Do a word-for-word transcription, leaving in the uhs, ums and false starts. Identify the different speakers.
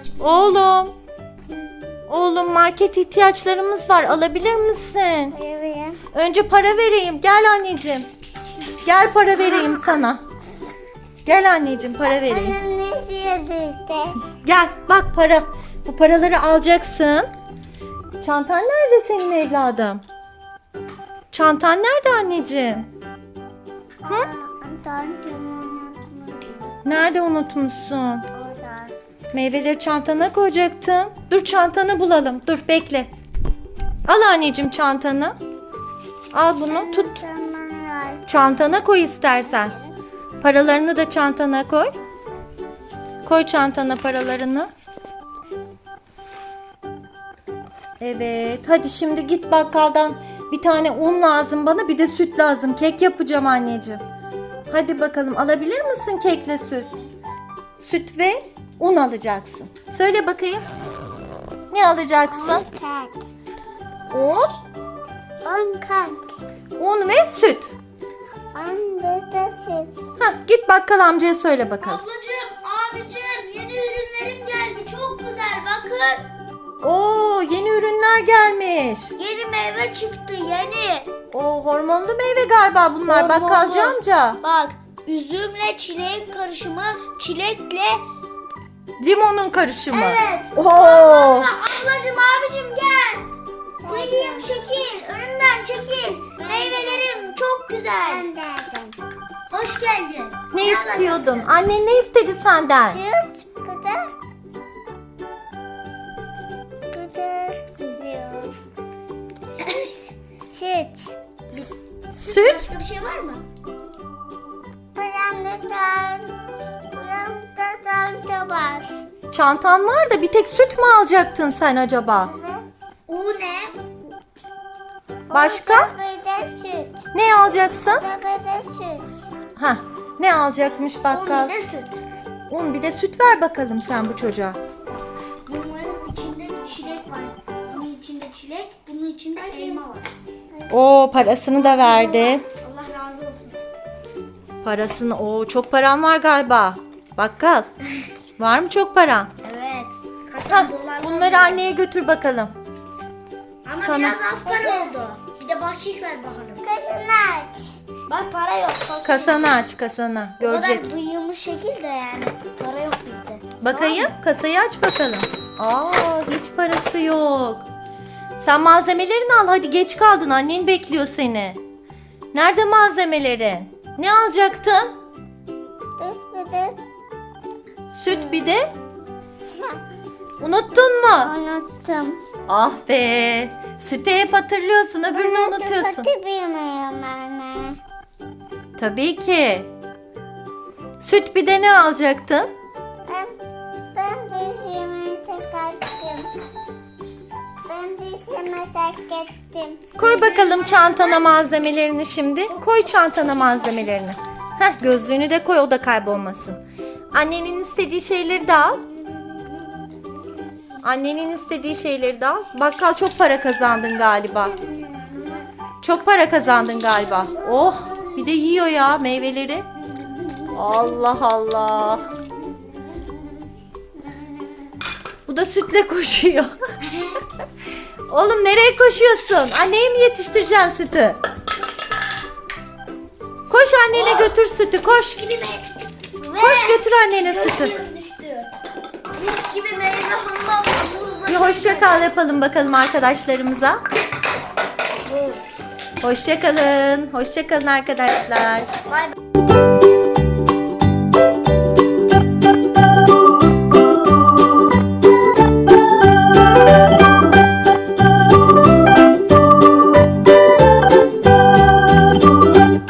Speaker 1: Oğlum. Oğlum market ihtiyaçlarımız var. Alabilir misin?
Speaker 2: Evet.
Speaker 1: Önce para vereyim. Gel anneciğim. Gel para vereyim sana. Gel anneciğim para vereyim.
Speaker 2: Annem ne istiyordu işte?
Speaker 1: Gel bak para. Bu paraları alacaksın. Çantan nerede senin evladım? Çantan nerede anneciğim? Hı? Nerede unutmuşsun? Meyveleri çantana koyacaktım. Dur çantanı bulalım. Dur bekle. Al anneciğim çantanı. Al bunu tut. Çantana koy istersen. Paralarını da çantana koy. Koy çantana paralarını. Evet. Hadi şimdi git bakkaldan bir tane un lazım bana, bir de süt lazım. Kek yapacağım anneciğim. Hadi bakalım alabilir misin kekle süt? Süt ve un alacaksın. Söyle bakayım. Ne alacaksın?
Speaker 2: Kek.
Speaker 1: Un,
Speaker 2: On kek.
Speaker 1: un ve süt.
Speaker 2: On bir de süt.
Speaker 1: Hah, git bakkal amcaya söyle bakalım.
Speaker 3: Ablacığım, abicim yeni ürünlerim geldi. Çok güzel bakın.
Speaker 1: Oo, yeni ürünler gelmiş.
Speaker 3: Yeni meyve çıktı yeni.
Speaker 1: O hormonlu meyve galiba bunlar.
Speaker 3: Hormonlu.
Speaker 1: Bakkalcı amca.
Speaker 3: Bak üzümle çileğin karışımı, çilekle.
Speaker 1: Limonun karışımı.
Speaker 3: Evet.
Speaker 1: Oo.
Speaker 3: Aa, ablacığım abicim gel. Buyurun çekil. Önümden çekil. Meyvelerim çok güzel.
Speaker 2: Ben de aldım.
Speaker 3: Hoş geldin.
Speaker 1: Ne istiyordun? Annen ne istedi senden?
Speaker 2: Süt. Bu da. Bu da. Yok. Süt.
Speaker 1: Süt.
Speaker 3: Başka bir şey var mı?
Speaker 2: Buram da dar. Buram da dar da var.
Speaker 1: Çantan var da bir tek süt mü alacaktın sen acaba?
Speaker 2: Evet.
Speaker 3: O ne?
Speaker 1: Başka?
Speaker 2: Bir de süt.
Speaker 1: Ne alacaksın?
Speaker 2: Bir de süt.
Speaker 1: Hah. Ne alacakmış
Speaker 3: O
Speaker 1: bakkal?
Speaker 3: ne de süt.
Speaker 1: Un bir de süt ver bakalım sen bu çocuğa.
Speaker 3: Bunların içinde çilek var. Bunun içinde çilek, bunun içinde elma var.
Speaker 1: Oo, parasını da verdi.
Speaker 3: Allah razı olsun.
Speaker 1: Parasını. Oo, çok paran var galiba. Bakkal. Var mı çok paran?
Speaker 3: Evet. Kaç
Speaker 1: Hah,
Speaker 3: dolar
Speaker 1: bunları anneye götür bakalım.
Speaker 3: Ama
Speaker 1: sana-
Speaker 3: biraz az para oldu. Bir de bahşiş ver bakalım.
Speaker 2: Kızını aç.
Speaker 3: Bak para yok. Bak.
Speaker 1: Kasanı aç kasanı.
Speaker 3: O
Speaker 1: Görecek.
Speaker 3: kadar bıyığımız şekilde yani. Para yok bizde.
Speaker 1: Bakayım. Kasayı aç bakalım. Aa, hiç parası yok. Sen malzemelerini al. Hadi geç kaldın. Annen bekliyor seni. Nerede malzemelerin? Ne alacaktın?
Speaker 2: Süt bir de.
Speaker 1: Süt bir de. Unuttun mu?
Speaker 2: Unuttum.
Speaker 1: Ah be. Sütü hep hatırlıyorsun. Öbürünü
Speaker 2: Unuttum,
Speaker 1: unutuyorsun.
Speaker 2: kötü bilmiyorum anne.
Speaker 1: Tabii ki. Süt bir de ne alacaktın?
Speaker 2: Ben, ben dişimi taktım. Ben dişimi taktım.
Speaker 1: Koy bakalım çantana malzemelerini şimdi. Koy çantana malzemelerini. Heh, gözlüğünü de koy, o da kaybolmasın. Annenin istediği şeyleri de al. Annenin istediği şeyleri de al. Bakkal çok para kazandın galiba. Çok para kazandın galiba. Oh, bir de yiyor ya meyveleri. Allah Allah. Bu da sütle koşuyor. Oğlum nereye koşuyorsun? Anneye mi yetiştireceksin sütü? Koş annene götür sütü, koş.
Speaker 3: Gibi me-
Speaker 1: Koş götür annene sütü.
Speaker 3: Gözlüğüm düştü. Mis gibi meyve hamam. Muzla
Speaker 1: Bir hoşça kal yapalım bakalım arkadaşlarımıza. Hoşça kalın. Hoşça kalın arkadaşlar.
Speaker 3: Bay bay.